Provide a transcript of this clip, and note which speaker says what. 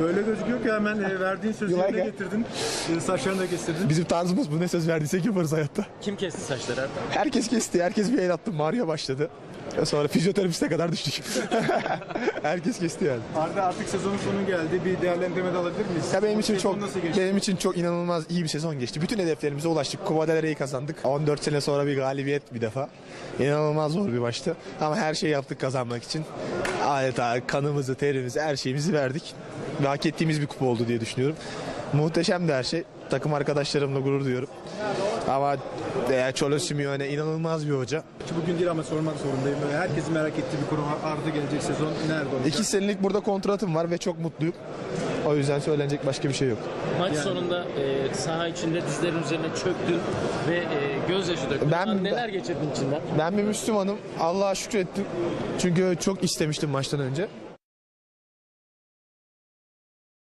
Speaker 1: Öyle gözüküyor ki hemen verdiğin sözü yerine getirdin. Saçlarını da kestirdin.
Speaker 2: Bizim tarzımız bu, ne söz verdiysek yaparız hayatta.
Speaker 3: Kim kesti saçları Erdem?
Speaker 2: Herkes kesti, herkes bir el attı. Mario başladı. Sonra fizyoterapiste kadar düştük. Herkes kesti yani.
Speaker 1: Arda, artık sezonun sonu geldi. Bir değerlendirme de alabilir miyiz?
Speaker 2: Ya benim için
Speaker 1: Sezon
Speaker 2: çok
Speaker 1: nasıl geçti?
Speaker 2: benim için çok inanılmaz iyi bir sezon geçti. Bütün hedeflerimize ulaştık. Copa del Rey'i kazandık. 14 sene sonra bir galibiyet bir defa. İnanılmaz zor bir maçtı. Ama her şeyi yaptık kazanmak için. Adeta kanımızı, terimizi, her şeyimizi verdik. Ve hak ettiğimiz bir kupa oldu diye düşünüyorum. Muhteşemdi her şey. Takım arkadaşlarımla gurur duyuyorum. Ama Cholo Simeone inanılmaz bir hoca.
Speaker 1: Bugün değil ama sormak zorundayım. Herkesin merak ettiği bir konu var. Arda gelecek sezon nerede olacak?
Speaker 2: 2 senelik burada kontratım var ve çok mutluyum. O yüzden söylenecek başka bir şey yok.
Speaker 3: Maç sonunda saha içinde dizlerin üzerine çöktün ve gözyaşı döktün. Neler geçirdin içinden?
Speaker 2: Ben bir Müslümanım. Allah'a şükrettim. Çünkü çok istemiştim maçtan önce.